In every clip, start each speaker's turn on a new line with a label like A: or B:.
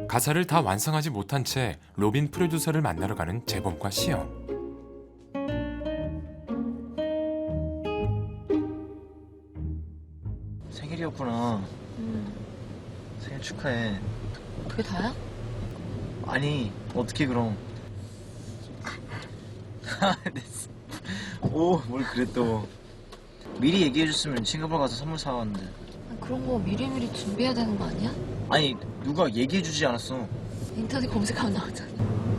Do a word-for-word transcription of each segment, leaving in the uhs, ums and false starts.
A: 가사를 다 완성하지 못한 채 로빈 프로듀서를 만나러 가는 재범과 시영.
B: 생일이었구나.
C: 음,
B: 생일 축하해.
C: 그게 다야?
B: 아니 어떻게 그럼? 오, 뭘 그래 또. 미리 얘기해줬으면 싱가포르 가서 선물 사왔는데.
C: 아, 그런 거 미리미리 준비해야 되는 거 아니야?
B: 아니 누가 얘기해주지 않았어.
C: 인터넷 검색하면 나오잖아.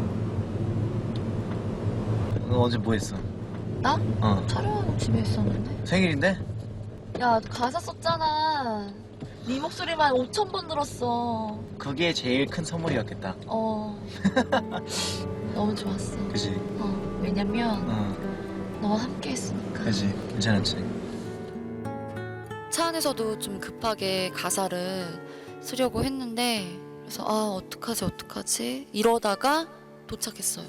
B: 너 어제 뭐 했어?
C: 나?
B: 어.
C: 촬영하고 집에 있었는데.
B: 생일인데?
C: 야, 가사 썼잖아. 네 목소리만 오천 번 들었어.
B: 그게 제일 큰 선물이었겠다.
C: 어. 너무 좋았어.
B: 그지?
C: 어, 왜냐면
B: 어,
C: 너와 함께 했으니까.
B: 그지. 괜찮았지.
D: 차 안에서도 좀 급하게 가사를 쓰려고 했는데 그래서 아 어떡하지 어떡하지 이러다가 도착했어요.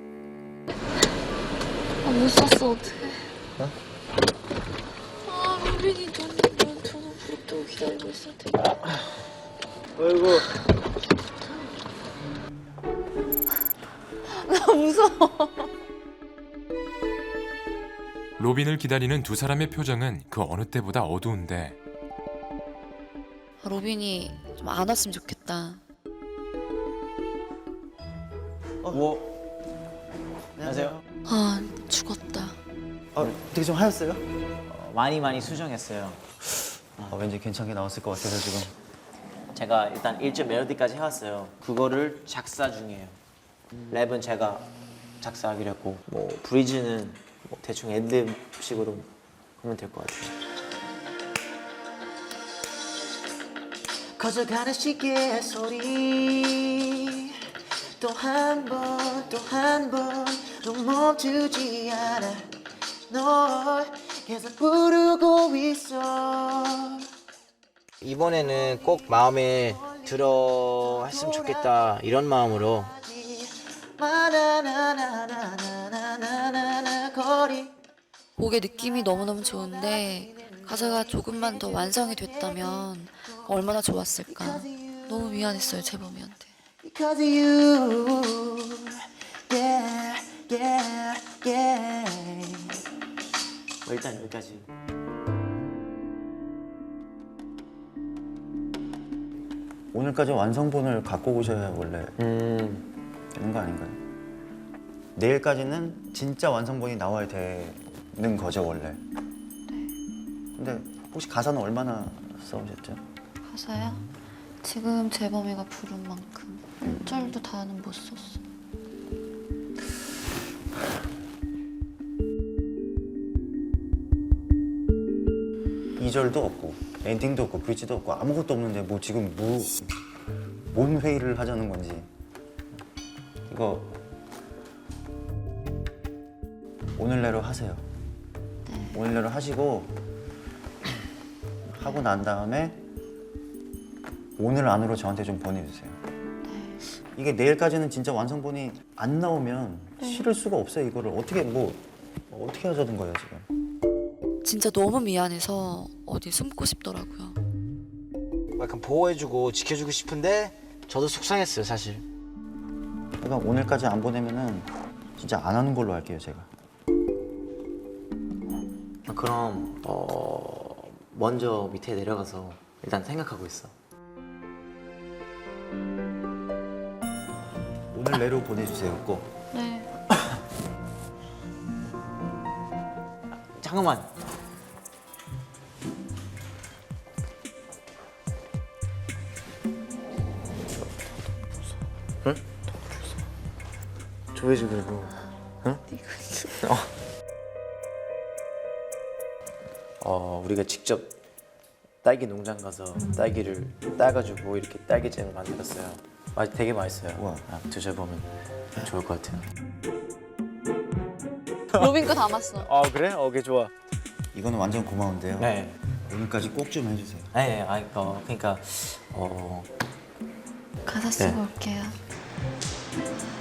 C: 아, 못 샀어, 어떡해.
B: 어?
C: 아, 로빈이 너는 넌 저는 부럽다고 기다리고 있을 텐데.
B: 어이구.
C: 나 무서워.
A: 로빈을 기다리는 두 사람의 표정은 그 어느 때보다 어두운데
D: 아, 로빈이 좀 안 왔으면 좋겠다.
B: 뭐? 안녕하세요.
D: 아 죽었다.
E: 아, 되게 좀 하였어요?
F: 어, 많이 많이 수정했어요.
E: 아, 왠지 괜찮게 나왔을 것 같아서 지금.
F: 제가 일단 일 절 멜로디까지 해왔어요. 그거를 작사 중이에요. 랩은 제가 작사하기로 했고 뭐 브리즈는 뭐 대충 엔드식으로 하면 될 것 같아요. 커져가는 시계의 소리 또 한 번 또 한 번 또 멈추지 않아 널 계속 부르고 있어. 이번에는 꼭 마음에 들어 했으면 좋겠다 이런 마음으로
D: 곡의 느낌이 너무너무 좋은데 가사가 조금만 더 완성이 됐다면 얼마나 좋았을까. 너무 미안했어요 재범이한테.
F: Because of you, yeah, yeah, yeah. 뭐 일단 여기까지.
E: 오늘까지 완성본을 갖고 오셔야 원래
F: 음,
E: 되는 거 아닌가요? 내일까지는 진짜 완성본이 나와야 되는 거죠 원래. 근데 혹시 가사는 얼마나 써오셨죠?
D: 가사야? 지금 재범이가 부른 만큼 일 절도 다는 못 썼어.
E: 이 절도 없고 엔딩도 없고 브릿지도 없고 아무것도 없는데 뭐 지금 뭐, 뭔 회의를 하자는 건지. 이거 오늘 내로 하세요.
D: 네.
E: 오늘 내로 하시고 하고 난 다음에 오늘 안으로 저한테 좀 보내주세요.
D: 네.
E: 이게 내일까지는 진짜 완성본이 안 나오면 실을 수가 없어요. 이거를 어떻게 뭐 어떻게 하자는 거예요 지금.
D: 진짜 너무 미안해서 어디 숨고 싶더라고요.
F: 약간 보호해주고 지켜주고 싶은데 저도 속상했어요 사실.
E: 그러니까 오늘까지 안 보내면은 진짜 안 하는 걸로 할게요 제가.
F: 그럼 어 먼저 밑에 내려가서 일단 생각하고 있어.
E: 오늘 내로 보내주세요 꼭.
D: 네.
F: 잠깐만. 응? 조회주 그리고 응? 어. 어 우리가 직접 딸기 농장 가서 딸기를 따가지고 이렇게 딸기잼을 만들었어요. 맛 되게 맛있어요.
E: 우와.
F: 아, 드셔보면 좋을 것 같아요.
D: 로빈 거 담았어.
F: 아 그래? 어, 오케이 좋아.
E: 이거는 완전 고마운데요.
F: 네.
E: 오늘까지 꼭 좀 해주세요.
F: 네, 아, 어, 그러니까 어,
D: 가사 쓰고
F: 네.
D: 올게요.